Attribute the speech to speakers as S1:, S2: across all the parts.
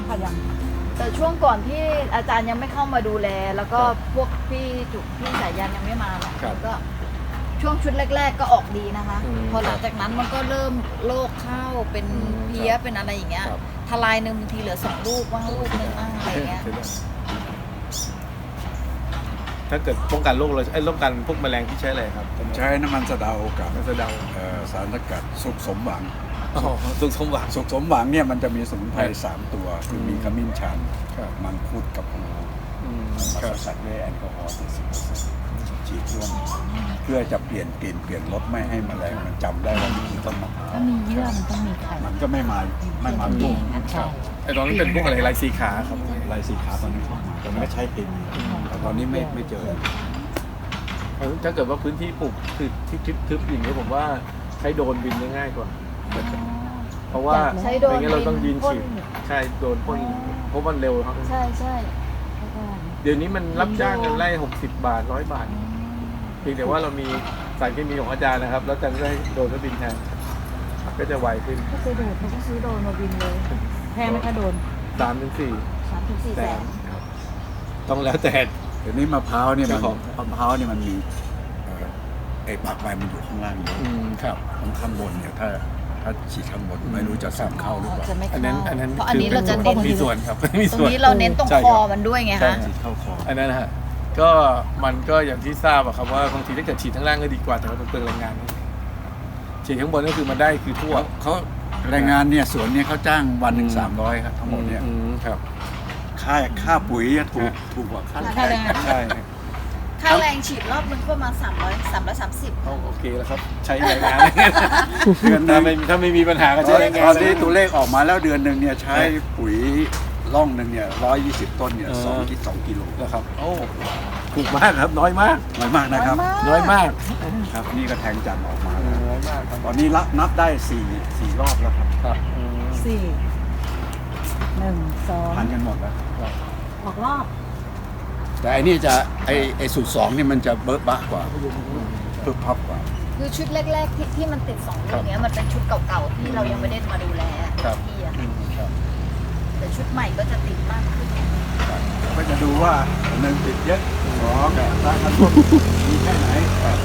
S1: ค่ะยัง
S2: แต่ช่วงก่อนที่อาจารย์ยังไม่เข้ามาดูแล แล้วก็พวกพี่จุกพี่สายยันยังไม่มาเนาะแล้วก็ช่วงชุดแรก ๆ ก็ออกดีนะคะ พอหลังจากนั้นมันก็เริ่มโรคเข้าเป็นเพี้ยเป็นอะไรอย่างเงี้ยทลายหนึ่งบางทีเหลือ2 ลูกว่างลูกนึงบ้างอะไรเงี้ย
S3: ถ้าเกิดป้องกันโรคเราป้องกันพวกแมลงที่ใช้อะไรครับ
S4: ผมใช้น้ำมันสะเดากับ
S3: น้ำสะเดา
S4: สารสกัดสุกสมหวัง
S3: สุขสมหวัง
S4: สุกสมหวังเนี่ยมันจะมีสมุนไพร3 ตัวคือมีขมิ้นชัน
S3: ครับ
S4: มังคุดกับหูมาสกัดด้วยแอลกอฮอล์70%ฉีดร่วมเพื่อจะเปลี่ยนกลิ่นเปลี่ยนรสไม่ให้แมลงมันจำได้ว่านี่คือต้นมะพร้าว
S1: ถ้ามีเยื่อมันต้องมีไข่
S4: มันก็ไม่มาบุก
S1: ใช่
S3: ไอ้ตอนนั้นเป็นพวกอะไรลายสีขาครับ
S4: ลายสีขาตอนนี้เข้ามาแต่ไม่ใช่เคมีแต่ตอนนี้ไม่เจอ
S3: ถ้าเกิดว่าพื้นที่ปลูกคือที่ทึบๆอย่างนี้ผมว่าใช้โดรนบินได้ง่ายกว่า เพราะว่า
S2: ใช้โดรน
S3: ไม่งั้นเราต้องยืน
S2: พ่น
S3: ฉีดใช่โดรนพ่นเพราะมันเร็วครับ
S2: ใช่ใช่
S3: เดี๋ยวนี้มันรับจ้างกันไล่60 บาท100 บาทเพียงแต่ว่าเรามีสารเคมีของอาจารย์นะครับ แล้วอาจารย์ก็ให้โดรนก็บินแทนก็จะไวขึ้น
S1: ก็ซื้อโดนเขาก็ซื้อโดนมาบินเลยแพงไหมคะโดน
S3: 3-4
S2: 3-4 แสน
S3: ครับต้องแล้วแต่
S4: เดี๋ยวนี้มะพร้าวเนี่ยมัน
S3: เจ้าของ
S4: มะพร้าวเนี่ยมันมีไอ้ปากใบมันอยู่ข้างล่างเยอะ
S3: ครับ
S4: ข้างบนเนี่ยถ้าฉีดข้างบนไม่รู้จะซึมเข้าหรือเปล่า
S2: จะไม่
S3: อัน
S2: เข้า
S3: นั้น
S2: เพราะอันนี้เราจะเน้น
S3: มีส่วนครับมี
S2: ตรง
S3: ส่วน
S2: นี้เราเน้นตรง
S3: ใช่
S2: ค
S3: ครั
S2: อบ มันด้วยไง
S3: ใช่
S2: คะ
S4: ฉีดเข้าคอ
S3: อันนั้นนะฮะก็มันก็อย่างที่ทราบอะครับว่าบางทีถ้าเกิดฉีดข้างล่างก็ดีกว่าแต่ว่ามันเปลืองแรงงานฉีดข้างบนก็คือมันได้คือทั่ว
S4: เขาแรงงานเนี่ยสวนเนี่ยเขาจ้างวันหนึ่ง300ครับทั้งหมดเนี่ย
S3: ครับ
S4: ค่าปุ๋ยถูกกว่าค่า
S1: ค่าแรงงาน
S3: ใช่
S2: ค่าแรงฉีดรอบนึงก็ประมาณ330
S3: โอเคแล้วครับใช้แรงงาน
S4: เดือนหนึ
S3: ถ้าง ไม่มีปัญหาก็ใช้แรงงา
S4: ตอน นนี้ตัวเลขออกมาแล้วเดือนหนึ่งเนี่ยใช้ปุ๋ยร่องหนึ่งเนี่ย120 ต้นเนี่ย2 กิโล
S3: นะครับโอ้ถูกมากครับน้อยมาก
S4: น้อยมากนะครับ
S3: น้อยมาก
S4: ครับนี่ก็แทงจันทร์ออกมาแล้ว
S3: น้อยมากครับ
S4: ตอนนี้นับได้4 รอบแล้วครับ
S3: ครับ
S1: 4 1
S4: พัน
S1: 2
S4: กันหมดแล้ว
S1: ออกรอบ
S4: แต่ไอ้นี่จะไอ้สูตร2นี่มันจะเบิร์ดบ้ากว่าปึ๊บพับกว่า
S2: คือชุดแรกๆที่มันติด2 ลูกเนี้ยมันเป็นชุดเก่าๆที่เรายังไม่ได้มาดูแลที่อะแต่ชุดใหม่ก็จะติดมากขึ้น
S4: ก็จะดูว่า1ติดเยอะ2สารกันพวกมีแค่ไหน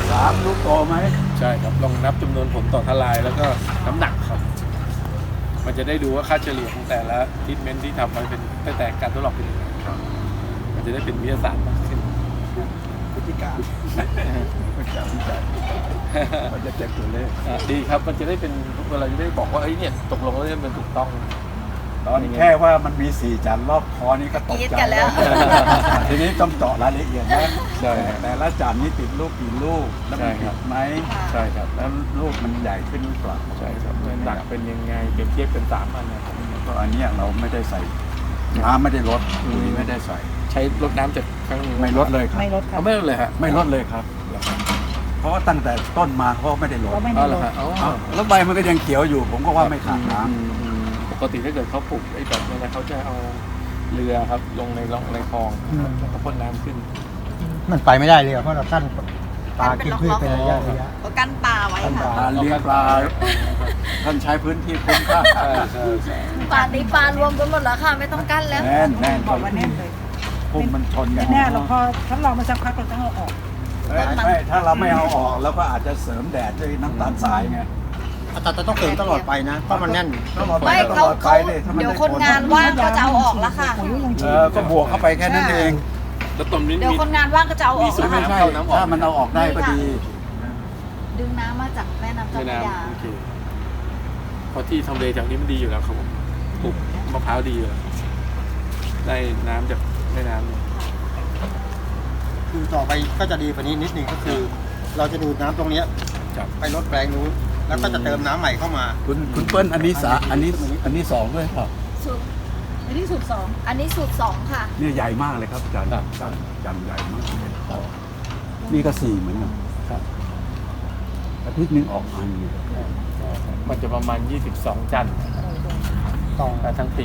S4: 3ลูกโตไหม
S3: ใช่ครับลองนับจำนวนผลต่อทลายแล้วก็น้ำหนักครับ มันจะได้ดูว่าค่าเฉลี่ยของแต่ละทรีทเมนต์ที่ทำไปเป็นตั้งแต่การทดลองเป็นยังไงมันจะได้เป็นวิทยาศาสตร์มากขึ้น
S4: พฤติการพฤติการวิจัยมันจะเจ็บตัวเลข
S3: ดีครับมันจะได้เป็นเราจะได้บอกว่าเอ้ยเนี่ยตกลงแล้วเนี่ยมันถูกต้อง
S4: ตอนแค่ว่ามันมี4 จันทร์รอบคอนี่ก็ตก
S2: กรี๊ด
S4: ใจ
S2: กันแล้ว
S4: ทีนี้ต้องเจาะรายละเอียดนะ
S3: ใช่
S4: แต่ละจันทร์นี่ติดลูกกี่ลูกแล้วมัน
S3: ใช่ครั
S4: ติ
S3: บ
S4: ดไหม
S3: ใช่ครับ
S4: แล้วลูกมันใหญ่ขึ้นหรือเปล่า
S3: ใช่ครับน้ำหนักเป็นยังไงเปรียบเทียบเป็น3 อันนะครับ
S4: ก็อันเนี้ยเราไม่ได้ใส่น้ำไม่ได้ลดปุ๋ยไม่ได้ใส่
S3: ใช้รดน้ำจากครั้งหนึ่ง
S4: ไม่ลดเลยครับ
S1: ไม่ลดครั
S3: เอา
S1: บ
S3: ไม่ลดเลยฮะ
S4: ไม่ลดเลยครับ เพราะว่าตั้งแต่ต้นมาเขาไม่ได้ลด
S1: ก็ไม่
S3: อ๋
S1: ได้
S3: อเหร
S1: ล
S3: อ
S1: ด
S3: ฮะอ๋อ
S4: อ้าวแล้วใบมันก็ยังเขียวอยู่ ผมก็ว่าไม่ขาดน้ำ
S3: ปกติถ้าเกิดเขาปลูกไอ้แบบนี้นะเขาจะเอาเรือครับลงในร่องในคลองนะครับแล้วก็พ่นน้ำขึ้น
S5: มันไปไม่ได้เลยอะเพราะเรากั้นปลากินพืชเป็นระยะ
S2: ก็กั้นปลาไว้ค่ะ
S4: การเลี้ยงปลาท่านใช้พื้นที่คุ้มค่า
S2: ป่านนี้ปลารวมกันหมดแล้วค่ะ ไม่ต้องกั้นแล้ว
S4: แน่นแน่น
S1: บอกว่าแน่นเลย
S4: พุ่มมันชนกัน
S1: แน่ๆเราพอทดลองมาสักพักเราต้องเอาออก
S4: ไม่ถ้าเราไม่เอาออกเราก็อาจจะเสริมแดดด้วยน้ำตาลทรายไง
S5: แต่ต้องเติมตลอดไปนะ เพราะมันแน่น
S4: ตลอดไป
S2: ไม่
S4: ต
S2: เขา
S4: ลอดไป
S2: เขา
S4: เลยถ้ามั
S2: เดี๋ยว
S4: ไม่
S2: คนงานว่างก็จะเอาออกแล้วค่ะ
S4: ก็บวกเข้าไปแค่นั้นเอง
S3: แล้วตรงนี้
S2: เดี๋ยวคนงานว่างก็จะเอาออก
S3: มีสู
S2: แล้
S3: ต
S2: ว
S3: ร
S2: ค่ะ
S3: เข้าน้ำออก
S4: ถ้ามันเอาออกได้ก็ดี
S2: ดึงน้ำมาจากแม่น้ำเจ้า
S3: แม่
S2: พระยา
S3: น้ำโอเคเพราะที่ทำเลแถวนี้มันดีอยู่แล้วครับผมปลูกมะพร้าวดีอยู่แล้วได้น้ำจากแม่น้ำเนี่ย
S5: คือต่อไปก็จะดีกว่านี้นิดนึงก็คือ เราจะดูดน้ำตรงเนี้ย
S3: ครับ
S5: ไปลดแปลงนู้นแล้วก็จะเติมน้ำใหม่เข้ามา
S4: คุณเปิ้ลอันนี้สองด้วยเปล่า
S2: สูตร
S1: อันนี้สูตร
S2: อันนี้สูตร2ค่ะ
S4: เนี่ยใหญ่มากเลยครับอาจารย์จันใหญ่มากนี่ก็4เหมือนกัน
S3: ครับ
S4: อาทิตย์นึงออกอันเนี่ย
S3: มันจะประมาณ22 จันทร์
S5: ต่อ
S3: ทั้งปี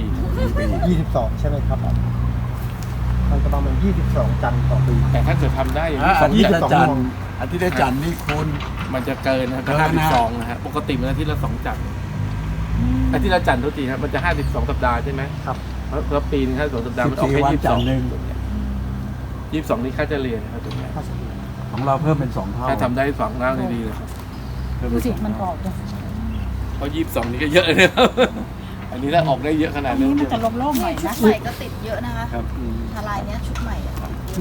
S5: 22 ใช่ไหมครับ มันจะประมาณ22 จันทร์ต่อปี
S3: แต่ถ้าเกิดทำได้อย่างนี้
S4: อาทิตย์
S3: 2
S4: ละ
S3: จันทร์
S4: จันทร์อาทิตย์ละจันทร์นี่คุณ
S3: มันจะเกินนะครับ
S4: เกินนะ
S3: 52นะฮะปกติมันอาทิตย์ละ2 จันทร์อาทิตย์ละจันทร์ทุกทีครับมันจะ52 สัปดาห์ใช่ไหม
S5: ครับ
S3: มเพราะปีนึงถ้า2 สัปดาห์มันออกแค่
S4: 14 วันจันทร์หนึ่ง
S3: 22นี่ค่าเฉลี่ยนะครับตรงนี้
S4: ของเราเพิ่มเป็น2 เท่า
S3: ถ้าทำได้2ร่างได้ดีเลยครับ
S1: ดูสิมันออกเลย
S3: เพราะ22นี่ก็เยอะเลยนะครับ อันนี้ถ้าออกได้เยอะขนาด
S1: อัน
S3: นี้
S1: นี้มันจะโล่งๆหน่อย
S2: ชุ
S1: นะ
S2: ดใหม่ก็ติดเยอะนะคะ
S3: ครับ
S2: ทลายเนี้ยชุดใหม่อะ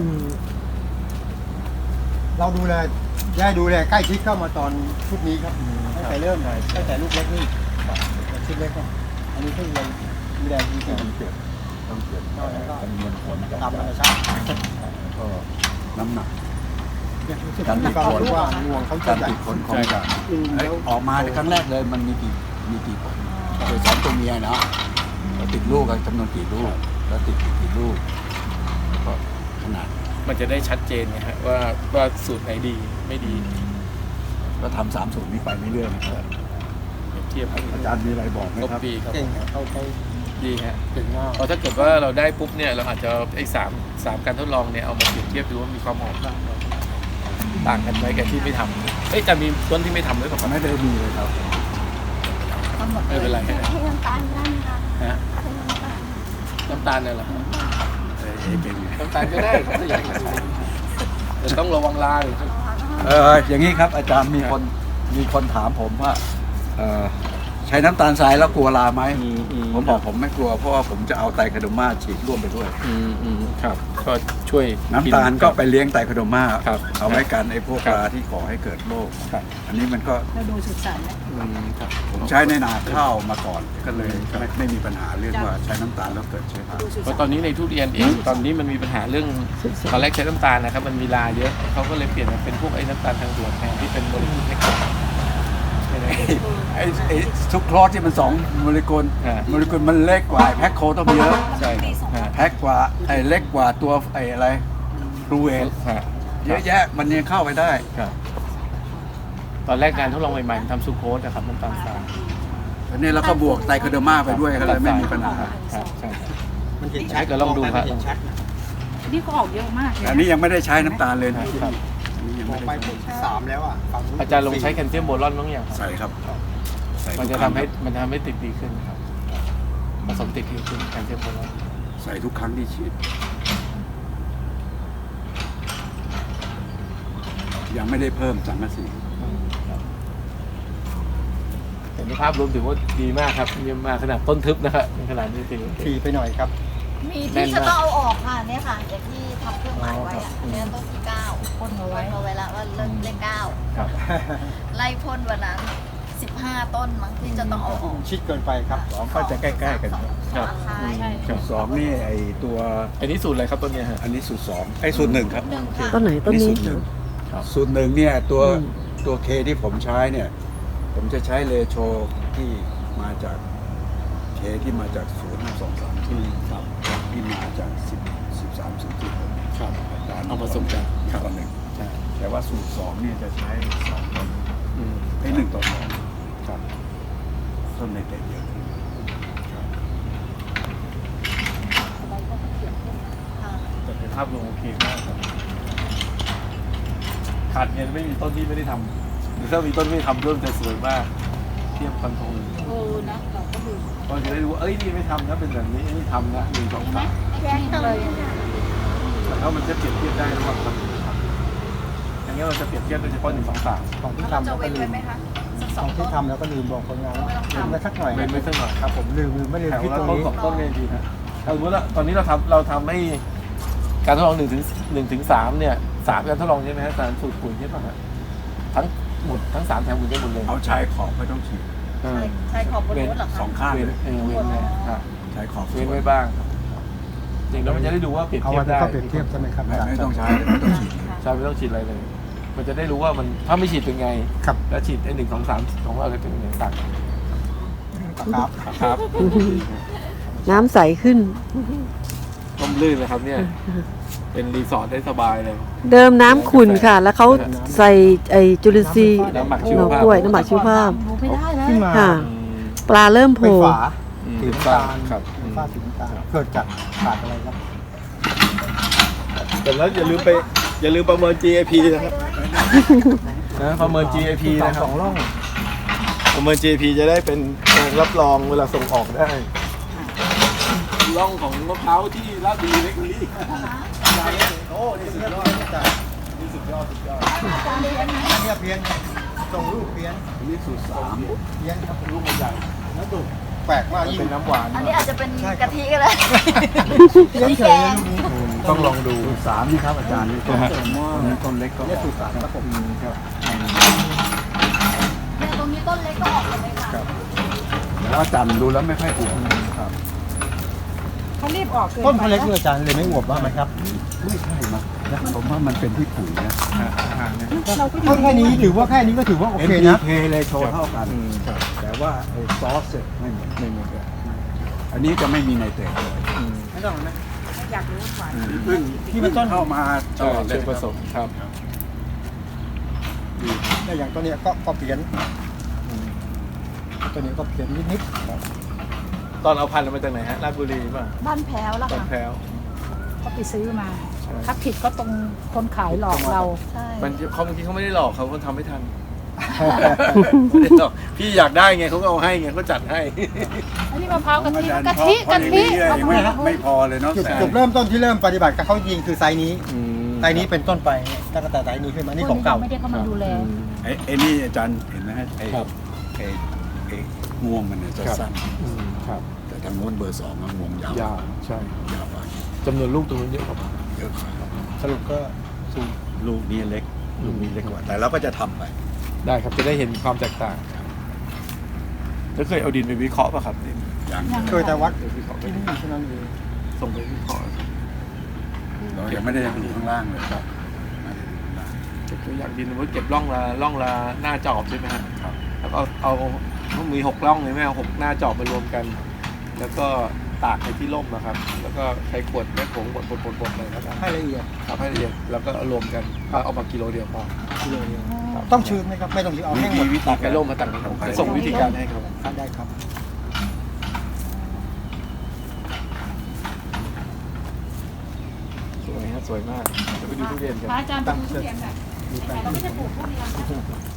S5: เราดูแลดูแลใกล้ชิดเข้ามาตอนชุดนี้ครับตั้งแต่เริ่มเลยตั้งแต่ลูกเล็กนี่ชุดเล็กก็อันนี้เพิ่งเลยดูแลจริง
S4: ต้องเก็บจำนวนผล
S5: ๆตามธรรมชาติ
S4: ก็น้ำหนัก
S5: การมีความรู้ว่างวงเขาจะ
S4: การ
S5: ใหญ่
S4: ติดผลของการออกมาในครั้งแรกเลยมันมีกี่ผลโดย2 ตัวเมียเนาะแล้วติดลูกกันจำนวนกี่ลูกแล้วติดกี่ลูกแล้วก็ขนาด
S3: มันจะได้ชัดเจนนะฮะว่าสูตรไหนดีไม่ดี
S4: ก็ทำ3 สูตรนี้ไปเรื่อยๆนะครับ
S3: เทียบกัน
S4: อาจารย์มีอะไรบอกไหม
S3: ครบ
S4: ครับ
S3: ปีครับ
S5: เก่งเขา
S3: ดีฮะ
S5: เก่งมาก
S3: เพราะถ้าเกิดว่าเราได้ปุ๊บเนี่ยเราอาจจะไอ้3 การทดลองเนี่ยเอามาเปรียบเทียบดูว่ามีความหอมต่างกันไหมกับที่ไม่ทำเอ้ยจะมีต้นที่ไม่ทำด้วยเปล่า
S4: ไม่ได้มีเลยครับ
S2: กำหนด
S3: ไม่เป็นไรฮะ
S6: ให้น้ำตาลได้ไหมคะ
S3: ฮะ
S6: ให้น้ำตาล
S3: น้ำตาลเนี่ยเหรอ
S4: เป็นไง
S3: น้ำตาลก็ได้ครับถ้าอยากแต่ต้องระวังลาหรือ
S4: อย่างนี้ครับอาจารย์มีคนถามผมว่าใช้น้ำตาลทรายแล้วกลัวราไหมผมบอกผมไม่กลัวเพราะว่าผมจะเอาไตรคโดมาฉีดร่วมไปด้วย
S3: ครับก็ช่วย
S4: น้ำตาลก็ไปเลี้ยงไตรคโดมา
S3: ครับ
S4: เอาไว้กันไอ้พวกราที่ก่อให้เกิดโรค
S3: ครับ
S4: อันนี้มันก็
S1: เราดูสุดสันต์แล้ว
S3: ครับ
S4: ผมใช้ในนาข้าวมาก่อนก็เลยไม่มีปัญหาเรื่องว่าใช้น้ำตาลแล้วเกิดเชื้อรา
S1: ดูสุด
S3: เพ
S1: สั
S3: ราะ
S1: น
S3: ตอน
S1: ต์
S3: นี้ในทุเรียนเองตอนนี้มันมีปัญหาเรื่องตอนแรกใช้น้ำตาลนะครับมันมีลาเยอะเขาก็เลยเปลี่ยนมาเป็นพวกไอ้น้ำตาลทางด่วนแทนที่เป็นโมเลกุลเล็ก
S4: ไอ้ซุกโครสที่มัน2 โมเลกุล
S3: อ่า
S4: โมเลกุลมันเล็กกว่าแพ็คโคต้องเยอะ
S3: ใช่ครับ
S4: แพ็คกว่าไอ้เล็กกว่าตัวไอ้อะไรฟลูเอนเยอะแยะมันยังเข้าไปได้
S3: ครับตอนแรกการทดลองใหม่ๆมันทำซูโคสนะครับน้ำตาลทราย
S4: อันนี้แล้วก็บวกไตรคโดมาไปด้วยก็เลยไม่มีปัญหา
S3: ครับใช่ครับ
S5: มันเห็น
S3: ให้ก็ลองดูครับ
S5: เห็นชัดนะ
S1: นี่ก็ออกเยอะมากเลย
S4: อันนี้ยังไม่ได้ใช้น้ำตาลเลยนะ
S3: ครับ
S4: อันนี้ยัง
S5: มอ
S4: ไม่
S5: งไป
S4: ได้
S5: ผลที่3แล้วอ่ะฝั่งนู้น
S3: อาจารย์ลงใช้แคลเซียมโบรอนบ้างอย่างครับ
S4: ใส่ครับใส่
S3: มัน
S4: ทุ
S3: จะ
S4: กครั้ง
S3: มันทำให้ติดดีขึ้นครับผสมติดดีขึ้นแคลเซียมโบรอน
S4: ใส่ทุกครั้งที่ฉีดยังไม่ได้เพิ่มสังกะสี
S3: แต่ในภาพรวมถือว่าดีมากครับเยี่ยมมากขนาดต้นทึบนะครับขนาดนี้ถือว่า
S5: ทีไปหน่อยครับ
S2: มีที่จะต้องเอาออกค่ะเนี่ยค่ะอย่างที่ทำเครื่องหมายไว้อะเนี่ยต้นที่9
S1: พ่นเอา
S2: ไว้
S1: ไว้
S2: เอาไว้แล้วว่าเลข
S3: ครับ
S2: 9ไล่พ่นวันนั้น15 ต้นมั้งที่จะต้องเอาออก
S5: ชิดเกินไปครับ
S4: ก็จะใกล้ๆกัน
S3: ครับ
S2: ใช่
S3: ครับ
S4: สองนี่ไอตัว
S3: อันนี้สูตรอะไรครับต้นเนี้ยฮะ
S4: อันนี้สูตร2ไอสูตร1ครับ
S2: หนึ่งค่ะ
S6: ต้นไหนต้นนี้
S4: สูตรหนึ่ง
S3: ครับ
S4: สูตร1เนี่ยตัวเคที่ผมใช้เนี่ย ผมจะใช้เลโชที่มาจากเคที่มาจาก0.523ที่มาจาก13 0.6
S3: ครับเอาผสมกัน
S4: ต่อหนึ่ง
S3: ใช่
S4: แต่ว่าสูตร2เนี่ยจะใช้2 ต้น
S3: อืม
S4: ไอ้1 ต่อ 2ครับต้นในแต่เยอะ
S2: ค่ะ
S3: แต่ในภาพรวมโอเคมากครับขาดเงินไม่มีต้นที่ไม่ได้ทำหรือถ้ามีต้นไม่ทำเริ่มจะสวยมากเทียบกันตรง
S1: โอ้นะเราก็ดู
S3: ก็จะได้รู้ว่าเอ้ยนี่ไม่ทำนะเป็นแบบนี้นี่ทำนะ1 2 3
S6: แยกต้น
S3: แต่ถ้ามันจะเปรียบเทียบได้ระหว่างคนอย่างนี้เราจะเปรียบเทียบโดยเฉพาะ1 2 3
S5: ของที่
S2: เรา
S5: ทำ
S2: จะ
S5: แล้วก็
S2: เว้น
S5: ลื
S2: ไว้
S5: ม
S2: ไหมคะสัก
S5: ข
S2: สอ
S5: อง ง
S2: ต้
S5: ที่
S2: น
S5: ทำแล้วก็ลืมบอกคนงานลืมไปสักหน่อย
S3: เป็นไม่สักหน่อย
S5: ครับผมลืมไม่ลืม
S3: แถว
S5: ที่
S3: ละ
S5: ตรง
S3: ต้น
S5: นี้
S3: 2 ต้นเนี่ยดีนะเอาสมมติว่าตอนนี้เราทำให้การทดลอง1 ถึง 3เนี่ย3การทดลองใช่ไหมฮะสารสูตรปุ๋ยใช่ป่ะฮะทั้งหมดทั้ง3แถมหมดได้หมดเลย
S4: เอาชายขอบไม่ต้องฉีด
S2: ใช่ขอบบนรถเหรอคะ
S4: 2 ข้าง
S3: เว้น
S4: เลย
S3: เว้นไว้ครับ
S4: ชายขอบ
S3: เว้นไว้บ้างครับจริงแล้วมันจะได้ดูว่าเปรียบ
S5: เอา
S3: เทีย
S5: ไว้
S3: บได้
S5: ก็เปรียบเทียบใช่ไหมครับ
S4: ไม่ต้องใช้ไม่ต้องฉีด
S3: ใช่ไม่ต้องฉีดอะไรเลย มันจะได้รู้ว่ามันถ้าไม่ฉีดเป็นไง
S5: ครับ
S3: แล้วฉีดไอ้1 2 3ของเราจะเป็นยังไงต่าง
S5: ครับ
S3: ครับ
S6: น้ำใสขึ้น
S3: ต้มลื่นเลยครับเนี่ย เป็นรีสอร์ทได้สบายเลย
S6: เดิมน้ำขุ่นค่ะ แล้วเขาใส่ไอจุลินทรีย์
S3: น้ำหมักชีว
S6: หน่อ
S3: ภาพ
S6: กล้วยน้ำหมักชีวภาพ
S1: ดูไม่ได้เลย
S5: ที่มา
S6: ค่ะ
S3: อืม
S6: ปลาเริ่มโผ
S5: ไม่
S6: ล่
S5: ฝา
S3: อืม
S5: สีน้ำตาล
S3: ครับ
S5: ฝ้าสีน้ำตาลเกิดจากขาดอะไรครับ
S3: แต่แล้วอย่าลืมประเมิน GAP นะครับนะประเมิน GAP นะค
S5: ส
S3: รับ
S5: องร่อง
S3: ประเมิน GAP จะได้เป็นการรับรองเวลาส่งออกได้ร่องของมะพร้าวที่ลาดบุรีเล็กบุรี
S5: โอ้นี่สุดยอดอาจารย์นี่สุดยอดอันนี้เพี้ยนส่งลูกเพี้ยน
S4: อันนี้สูตร3
S5: เพี้ยนครับ
S3: ลูกมันใหญ่
S5: แล้วดุแปลกมากยิ่ง
S3: เป็นน้ำหวาน
S2: อันนี้อาจจะเป็นกะทิก็ได้
S5: เพี้ยนเฉยเลยลูกนี้
S3: ต้องลองดู
S4: สูตร3นี่ครับอาจารย์นี่ต้นนี้ต้นเล็กก็
S5: เนี่ยสูตร3ครับผม
S4: ครับ
S2: เนี่ยตรงนี้ต้นเล็กก็ออกเลยค่ะ
S4: แล้วอาจารย์ดูแล้วไม่ค่อยถูกครับ
S1: เขารีบออกเกิน
S5: ต้นเขาเล็กด้วยอาจารย์เลยไม่อวบบ้างไหมครับ
S4: ไม่ใช่นะผมว่ามันเป็นที่ปุ๋ยนะ
S1: เราก็อ
S5: ต้
S1: ยู่
S5: นแค่นี้ถือว่าแค่นี้ก็ถือว่าโอเคนะ
S4: NPK เลยโชว์เท่ากัน แต่ว่าไอ้ซอสเนี่ยไม่เหมือนกันอันนี้จะไม่มีไนเตรตเลย
S5: ไม่ต้องนะ
S1: อยากรู้ว่า
S4: ซึ่ง
S5: ที่มันต้น
S4: เข้ามา
S3: ใช่เป็นผสมครับ
S5: เนี่ยอย่างตัวเนี้ยก็เพี้ยนตัวนี้ก็เพี้ยนนิดๆครับ
S3: ตอนเอาพันธุ์มาจากไหนฮะลาดบุรีป่ะ
S2: บ้านแพ้วแล้ว
S3: ตอน
S2: ค่ะ
S3: แพ้ว
S1: ก็ไปซื้อมา
S3: ใช่
S1: ถ้าผิดก็ตรงคนขายหลอกเรา
S2: ใช่
S3: บางทีเขาไม่ได้หลอกเขาทำไม่ทันไม่ได้หลอกพี่อยากได้ไงเขาก็เอาให้ไงเขาจัดให้
S1: อันนี้มะพร้าวกะทิ
S4: อาจารย์
S1: กะทิ
S4: เพราะอย่างนี้
S1: เอา
S4: ไม่
S1: มา
S4: ไม่พอเลยเนาะ
S5: จุดเริ่มต้นที่เริ่มปฏิบัติกับเขาจริงคือไซส์นี้ไซส์นี้เป็นต้นไปตั้งแต่ไซส์นี้ขึ้นมานี่ของเก่า
S1: ไม่ได้เข้ามาดูแล
S4: ไอ้นี่อาจารย์เห็นไหมฮะไอ้
S3: ครับ
S4: ไอ้งวงมันเนี่ยจะสั้น
S3: ครับ
S4: แต่ทางโน้นเบอร์2มันงวงยาวย
S3: าวใช่
S4: ยาวกว่า
S3: จำนวนลูกตรงนู้นเยอะกว่า
S4: เยอะกว่า
S5: สรุปก็
S4: ลูกนี้เล็กลูกนี้เล็กกว่า แต่เราก็จะทำไป
S3: ได้ครับจะได้เห็นความแตกต่างแล้วเคยเอาดินไปวิเคราะห์ป่ะครับดิน
S4: อย่าง
S5: เคยแต่วัด
S3: ไปวิเคราะห์ไป
S5: ที่นี่เท่านั้นเอง
S3: ส่งไปวิเคราะห์
S4: เรายังไม่ได้ดูข้างล่างเลยครับไม่ได้ดูข้างล่าง
S3: เก็บตัวอย่างดินไว้เก็บร่องละหน้าจอบใช่ไหมฮะ
S4: ครับ
S3: แล้วก็เอาต้องมี6ร่องเลยไหมเอา6หน้าจอบมารวมกัน แล้วก็ตากในที่ร่มนะครับ แล้วก็ใช้ขวดแม่ผงบดเลยแล้วกัน
S5: ให้ละเอียด
S3: ทำให้ละเอียดแล้วก็เอารวมกันเอามากิโลเดียวพอ
S5: กิโลเดียวต้องชื้นไหมครับไม่ต้องชื้นเอาแห้งหมด
S4: วิธี
S3: ตากในร่มมาต่างกันจะส่งวิธีการให้ครับ
S5: ได้ครับ
S3: สวยฮะสวยมากเดี๋ยวไปดูทุเรียนกัน
S1: พระอาจารย์ไปดูทุเรียนแบบเราไม่ได้ปลูกทุเรียน